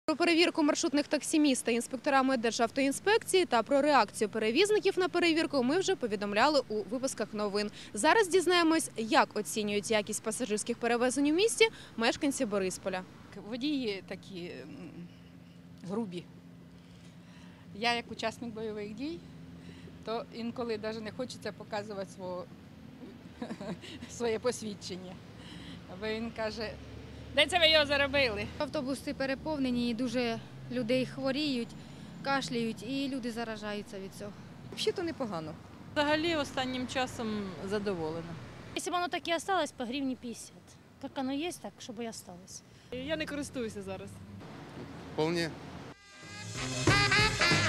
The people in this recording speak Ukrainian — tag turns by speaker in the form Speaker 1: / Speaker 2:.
Speaker 1: Про перевірку маршрутних таксі та інспекторами Державтоінспекції та про реакцію перевізників на перевірку ми вже повідомляли у випусках новин. Зараз дізнаємось, як оцінюють якість пасажирських перевезень у місті мешканці Борисполя.
Speaker 2: Водії такі грубі. Я як учасник бойових дій, то інколи навіть не хочеться показувати своє посвідчення. Бо він каже, де це ви його заробили?
Speaker 3: Автобуси переповнені, і дуже людей хворіють, кашляють і люди заражаються від цього.
Speaker 4: Взагалі-то непогано.
Speaker 5: Взагалі останнім часом задоволена.
Speaker 6: Если бы оно так и осталось, по гривне 50. Как оно есть, так, чтобы и осталось.
Speaker 7: Я не користуюся зараз.
Speaker 8: Вполне.